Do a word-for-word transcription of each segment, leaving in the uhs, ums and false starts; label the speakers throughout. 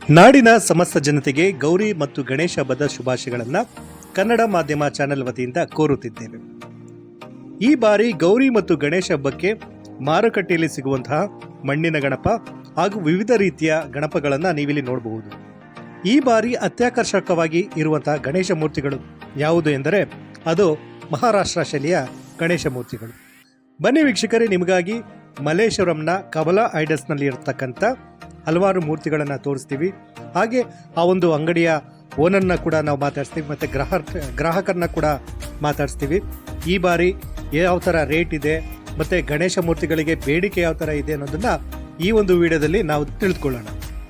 Speaker 1: ನಾಡಿನ ಸಮಸ್ತ ಜನತೆಗೆ ಗೌರಿ ಮತ್ತು ಗಣೇಶ ಹಬ್ಬದ ಶುಭಾಶಯಗಳನ್ನು ಕನ್ನಡ ಮಾಧ್ಯಮ ಚಾನೆಲ್ ವತಿಯಿಂದ ಕೋರುತ್ತಿದ್ದೇವೆ. ಈ ಬಾರಿ ಗೌರಿ ಮತ್ತು ಗಣೇಶ ಹಬ್ಬಕ್ಕೆ ಮಾರುಕಟ್ಟೆಯಲ್ಲಿ ಸಿಗುವಂತಹ ಮಣ್ಣಿನ ಗಣಪ ಹಾಗೂ ವಿವಿಧ ರೀತಿಯ ಗಣಪಗಳನ್ನು ನೀವಿಲ್ಲಿ ನೋಡಬಹುದು. ಈ ಬಾರಿ ಅತ್ಯಾಕರ್ಷಕವಾಗಿ ಇರುವಂತಹ ಗಣೇಶ ಮೂರ್ತಿಗಳು ಯಾವುದು ಎಂದರೆ ಅದು ಮಹಾರಾಷ್ಟ್ರ ಶೈಲಿಯ ಗಣೇಶ ಮೂರ್ತಿಗಳು. ಬನ್ನಿ ವೀಕ್ಷಕರೇ, ನಿಮಗಾಗಿ ಮಲ್ಲೇಶ್ವರಂನ ಕಮಲಾ ಐಡಲ್ಸ್ನಲ್ಲಿ ಇರತಕ್ಕಂಥ ಹಲವಾರು ಮೂರ್ತಿಗಳನ್ನು ತೋರಿಸ್ತೀವಿ. ಹಾಗೆ ಆ ಒಂದು ಅಂಗಡಿಯ ಓನರ್ನ ಕೂಡ ನಾವು ಮಾತಾಡಿಸ್ತೀವಿ ಮತ್ತು ಗ್ರಾಹಕ ಗ್ರಾಹಕರನ್ನ ಕೂಡ ಮಾತಾಡಿಸ್ತೀವಿ. ಈ ಬಾರಿ ಯಾವ ಥರ ರೇಟ್ ಇದೆ ಮತ್ತು ಗಣೇಶ ಮೂರ್ತಿಗಳಿಗೆ ಬೇಡಿಕೆ ಯಾವ ಥರ ಇದೆ ಅನ್ನೋದನ್ನು ಈ ಒಂದು ವಿಡಿಯೋದಲ್ಲಿ ನಾವು ತಿಳಿದುಕೊಳ್ಳೋಣ.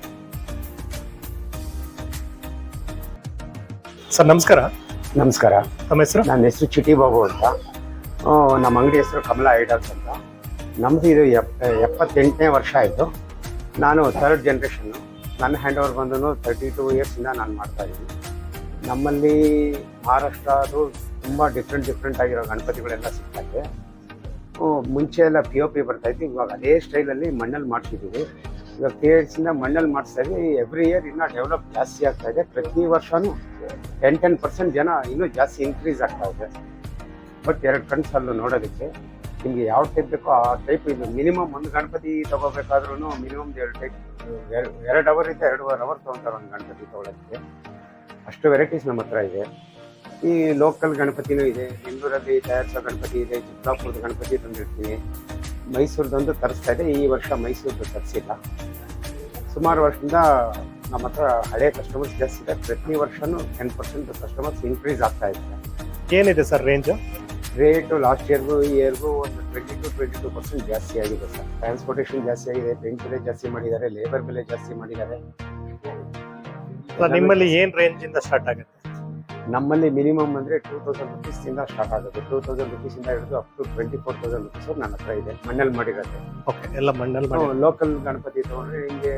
Speaker 1: ಸರ್ ನಮಸ್ಕಾರ.
Speaker 2: ನಮಸ್ಕಾರ.
Speaker 1: ನಮ್ಮ ಹೆಸರು?
Speaker 2: ನನ್ನ ಹೆಸರು ಚಿಟಿ ಬಾಬು ಅಂತ. ನಮ್ಮ ಅಂಗಡಿ ಹೆಸರು ಕಮಲಾ ಐಡಲ್ಸ್ ಅಂತ. ನಮ್ಮದು ಇದು ಎಪ್ ಎಪ್ಪತ್ತೆಂಟನೇ ವರ್ಷ ಆಯಿತು. ನಾನು ಥರ್ಡ್ ಜನ್ರೇಷನ್ನು. ನನ್ನ ಹ್ಯಾಂಡ್ ಓವರ್ ಬಂದು ತರ್ಟಿ ಟೂ ಇಯರ್ಸಿಂದ ನಾನು ಮಾಡ್ತಾಯಿದ್ದೀನಿ. ನಮ್ಮಲ್ಲಿ ಮಹಾರಾಷ್ಟ್ರದು ತುಂಬ ಡಿಫ್ರೆಂಟ್ ಡಿಫ್ರೆಂಟ್ ಆಗಿರೋ ಗಣಪತಿಗಳೆಲ್ಲ ಸಿಗ್ತಾಯಿದೆ. ಮುಂಚೆ ಎಲ್ಲ ಪಿ ಒ ಪಿ ಬರ್ತಾಯಿತ್ತು, ಇವಾಗ ಅದೇ ಸ್ಟೈಲಲ್ಲಿ ಮಣ್ಣಲ್ಲಿ ಮಾಡಿಸಿದ್ದೀವಿ. ಇವಾಗ ತ್ರೀ ಇಯರ್ಸಿಂದ ಮಣ್ಣಲ್ಲಿ ಮಾಡಿಸ್ತಾ ಇದ್ದೀವಿ. ಎವ್ರಿ ಇಯರ್ ಇನ್ನೂ ಡೆವಲಪ್ ಜಾಸ್ತಿ ಆಗ್ತಾಯಿದೆ. ಪ್ರತಿ ವರ್ಷವೂ ಟೆನ್ ಟೆನ್ ಪರ್ಸೆಂಟ್ ಜನ ಇನ್ನೂ ಜಾಸ್ತಿ ಇನ್ಕ್ರೀಸ್ ಆಗ್ತಾ ಇದೆ. ಬಟ್ ಎರಡು ಕನ್ಸಲ್ಲೂ ನೋಡೋದಕ್ಕೆ ನಿಮಗೆ ಯಾವ ಟೈಪ್ ಬೇಕೋ ಆ ಟೈಪ್ ಇದು. ಮಿನಿಮಮ್ ಒಂದು ಗಣಪತಿ ತೊಗೋಬೇಕಾದ್ರೂ ಮಿನಿಮಮ್ ಎರಡು ಟೈಪ್ ಎರಡು ಅವರಿಂದ ಎರಡೂವರೆ ಅವರ್ ತೊಗೊತಾರೆ ಒಂದು ಗಣಪತಿ ತೊಗೊಳೋದಕ್ಕೆ. ಅಷ್ಟು ವೆರೈಟೀಸ್ ನಮ್ಮ ಹತ್ರ ಇದೆ. ಈ ಲೋಕಲ್ ಗಣಪತಿನೂ ಇದೆ, ಬೆಂಗಳೂರಲ್ಲಿ ತಯಾರಿಸೋ ಗಣಪತಿ ಇದೆ, ಚಿಕ್ಕಬಳ್ಳಾಪುರದ ಗಣಪತಿ ತಂದಿರ್ತೀನಿ. ಮೈಸೂರದೊಂದು ತರಿಸ್ತಾ ಇದೆ. ಈ ವರ್ಷ ಮೈಸೂರದ್ದು ತರಿಸಿಲ್ಲ. ಸುಮಾರು ವರ್ಷದಿಂದ ನಮ್ಮ ಹತ್ರ ಹಳೆ ಕಸ್ಟಮರ್ಸ್ ಜಾಸ್ತಿ ಇದೆ. ಪ್ರತಿ ವರ್ಷವೂ ಟೆನ್ ಪರ್ಸೆಂಟ್ ಕಸ್ಟಮರ್ಸ್ ಇನ್ಕ್ರೀಸ್ ಆಗ್ತಾ ಇದೆ.
Speaker 1: ಏನಿದೆ ಸರ್ ರೇಂಜು?
Speaker 2: ರೇಟು ಲಾಸ್ಟ್ ಇಯರ್ಗೂ ಈ ಇಯರ್ಗೂ ಒಂದು twenty two twenty two percent ಜಾಸ್ತಿ ಆಗಿದೆ ಸರ್. ಟ್ರಾನ್ಸ್ಪೋರ್ಟೇಷನ್ ಜಾಸ್ತಿ ಆಗಿದೆ, ಪೇಂಟ್ ಬೆಲೆ ಜಾಸ್ತಿ ಮಾಡಿದ್ದಾರೆ, ಲೇಬರ್ ಬೆಲೆ ಜಾಸ್ತಿ ಮಾಡಿದ್ದಾರೆ.
Speaker 1: ನಿಮ್ಮಲ್ಲಿ ಏನು ರೇಂಜಿಂದ ಸ್ಟಾರ್ಟ್ ಆಗುತ್ತೆ?
Speaker 2: ನಮ್ಮಲ್ಲಿ ಮಿನಿಮಮ್ ಅಂದರೆ ಟೂ ತೌಸಂಡ್ ರುಪೀಸಿಂದ ಸ್ಟಾರ್ಟ್ ಆಗುತ್ತೆ. ಟೂ ತೌಸಂಡ್ ರುಪೀಸಿಂದ ಹಿಡಿದು up to twenty four thousand rupees ನನ್ನ ಹತ್ರ ಇದೆ. ಮಣ್ಣಲ್ಲಿ ಮಾಡಿರುತ್ತೆ.
Speaker 1: ಓಕೆ, ಎಲ್ಲ ಮಣ್ಣಲ್ಲಿ.
Speaker 2: ಲೋಕಲ್ ಗಣಪತಿ ತೊಗೊಂಡ್ರೆ ನಿಮಗೆ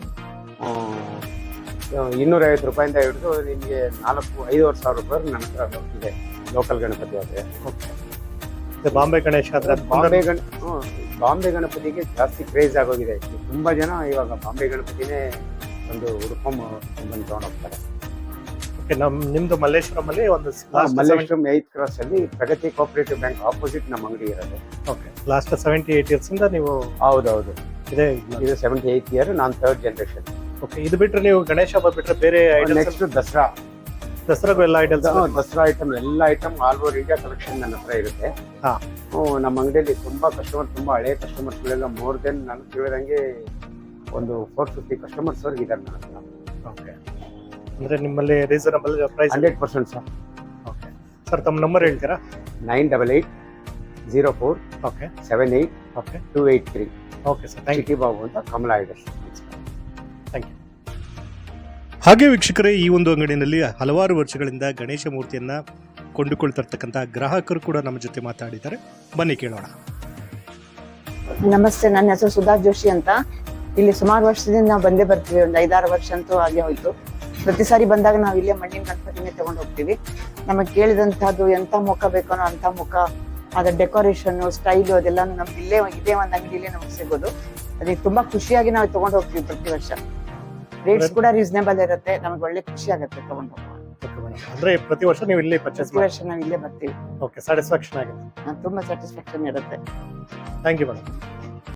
Speaker 2: ಇನ್ನೂರೈವತ್ತು ರೂಪಾಯಿಂದ ಹಿಡಿದು ನಿಮಗೆ ನಾಲ್ಕು ಐದುವರೆ ಸಾವಿರ ರೂಪಾಯಿ ನನ್ನ ಹತ್ರ ಇದೆ ಲೋಕಲ್ ಗಣಪತಿ ಆದರೆ.
Speaker 1: ಓಕೆ. ಬಾಂಬೆ ಗಣೇಶ ಆದರೆ
Speaker 2: ಬಾಂಬೆ ಗಣ ಬಾಂಬೆ ಗಣಪತಿಗೆ ಜಾಸ್ತಿ ಕ್ರೇಜ್ ಆಗೋಗಿದೆ. ತುಂಬ ಜನ ಇವಾಗ ಬಾಂಬೆ ಗಣಪತಿನೇ ಒಂದು ಹುಡ್ಕೊಂಡ್ ಬಂದು ತೊಗೊಂಡೋಗ್ತಾರೆ.
Speaker 1: ಓಕೆ. ನಮ್ಮ ನಿಮ್ಮದು ಮಲ್ಲೇಶ್ವರಮಲ್ಲಿ ಒಂದು
Speaker 2: ಮಲ್ಲೇಶ್ವರಂ ಏಯ್ತ್ ಕ್ರಾಸ್ ಅಲ್ಲಿ ಪ್ರಗತಿ ಕೋಆಪರೇಟಿವ್ ಬ್ಯಾಂಕ್ ಆಪೋಸಿಟ್ ನಮ್ಮ ಅಂಗಡಿ ಇರೋದು.
Speaker 1: ಓಕೆ. ಲಾಸ್ಟ್ ಸೆವೆಂಟಿ ಏಯ್ಟ್ ಇಯರ್ಸಿಂದ ನೀವು?
Speaker 2: ಹೌದೌದು,
Speaker 1: ಇದೆ.
Speaker 2: ಇದು ಸೆವೆಂಟಿ ಏಯ್ತ್ ಇಯರ್. ನಾನು ಥರ್ಡ್ ಜನರೇಷನ್.
Speaker 1: ಓಕೆ. ಇದು ಬಿಟ್ಟರೆ ನೀವು ಗಣೇಶ ಹಬ್ಬ ಬಿಟ್ಟರೆ ಬೇರೆ
Speaker 2: ನೆಕ್ಸ್ಟ್ ದಸರಾ
Speaker 1: ದಸರಾಗೂ ಎಲ್ಲ ಐಟಮ್ಸ್?
Speaker 2: ದಸರಾ ಐಟಮ್ ಎಲ್ಲ item all over India collection ನನ್ನ ಹತ್ರ ಇರುತ್ತೆ.
Speaker 1: ಹಾ.
Speaker 2: ನಮ್ಮ ಅಂಗಡಿಯಲ್ಲಿ ತುಂಬಾ ಕಸ್ಟಮರ್, ತುಂಬಾ ಹಳೆ ಕಸ್ಟಮರ್ಸ್ಗಳೆಲ್ಲ ಮೋರ್ ದೆನ್ ನಾನು ತಿಳಿದಂಗೆ ಒಂದು ಫೋರ್ ಫಿಫ್ಟಿ ಕಸ್ಟಮರ್ಸ್ ವರ್ಗ ಇದ್ದಾರೆ ನನ್ನ ಹತ್ರ.
Speaker 1: ಓಕೆ. ಅಂದ್ರೆ ನಿಮ್ಮಲ್ಲಿ reasonable price?
Speaker 2: Hundred percent sir.
Speaker 1: Okay sir, ತಮ್ಮ ನಂಬರ್ ಹೇಳ್ತೀರಾ?
Speaker 2: Nine double eight zero four
Speaker 1: okay
Speaker 2: seven eight
Speaker 1: okay
Speaker 2: two eight three.
Speaker 1: Okay sir, thank you.
Speaker 2: Babu ಅಂತ, ಕಮಲಾ ಐಡಲ್ಸ್.
Speaker 1: Thank you. ಹಾಗೆ ವೀಕ್ಷಕರೇ, ಈ ಒಂದು ಅಂಗಡಿಯಲ್ಲಿ ಹಲವಾರು ವರ್ಷಗಳಿಂದ ಗಣೇಶ ಮೂರ್ತಿಯನ್ನ ಕೊಂಡುಕೊಳ್ತಿರ್ತಕ್ಕಂಥ ಗ್ರಾಹಕರು ಕೂಡ ನಮ್ಮ ಜೊತೆ ಮಾತಾಡಿದ್ದಾರೆ. ಬನ್ನಿ ಕೇಳೋಣ.
Speaker 3: ನಮಸ್ತೆ, ನನ್ನ ಹೆಸರು ಸುಧಾ ಜೋಶಿ ಅಂತ. ಇಲ್ಲಿ ಸುಮಾರು ವರ್ಷದಿಂದ ನಾವು ಬಂದೇ ಬರ್ತೀವಿ. ಒಂದು ಐದಾರು ವರ್ಷ ಅಂತೂ ಹಾಗೆ ಹೋಯ್ತು. ಪ್ರತಿ ಸಾರಿ ಬಂದಾಗ ನಾವು ಇಲ್ಲೇ ಮಣ್ಣಿನ ಗಣಪತಿನೇ ತಗೊಂಡು ಹೋಗ್ತೀವಿ. ನಮಗೆ ಕೇಳಿದಂತಹದ್ದು ಎಂತ ಮುಖ ಬೇಕೋ ಅಂತ ಮುಖ, ಅದ್ರ ಡೆಕೋರೇಷನ್ ಸ್ಟೈಲು ಅದೆಲ್ಲ ನಮ್ಗೆ ಇಲ್ಲೇ ಇದೇ ಒಂದು ಅಂಗಡಿಲೇ ನಮ್ಗೆ ಸಿಗೋದು. ಅದಕ್ಕೆ ತುಂಬಾ ಖುಷಿಯಾಗಿ ನಾವು ತಗೊಂಡು ಹೋಗ್ತೀವಿ ಪ್ರತಿ ವರ್ಷ. ರೇಟ್ಸ್ ಕೂಡ ರೀಸನೇಬಲ್ ಇರುತ್ತೆ. ನಮಗೆ ಒಳ್ಳೆ ಖುಷಿ ಆಗುತ್ತೆ ತಗೊಂಡು ಹೋಗುವ.
Speaker 1: ಅಂದ್ರೆ ಪ್ರತಿ ವರ್ಷ ನೀವು ಇಲ್ಲಿ ಪರ್ಚೇಸ್?
Speaker 3: ಪ್ರತಿ ವರ್ಷ ನಾವು ಇಲ್ಲೇ ಬರ್ತೀವಿ.
Speaker 1: ಓಕೆ, ಸ್ಯಾಟಿಸ್ಫ್ಯಾಕ್ಷನ್ ಆಗಿದೆ?
Speaker 3: ತುಂಬಾ ಸ್ಯಾಟಿಸ್ಫ್ಯಾಕ್ಷನ್ ಇರುತ್ತೆ.
Speaker 1: Thank you madam.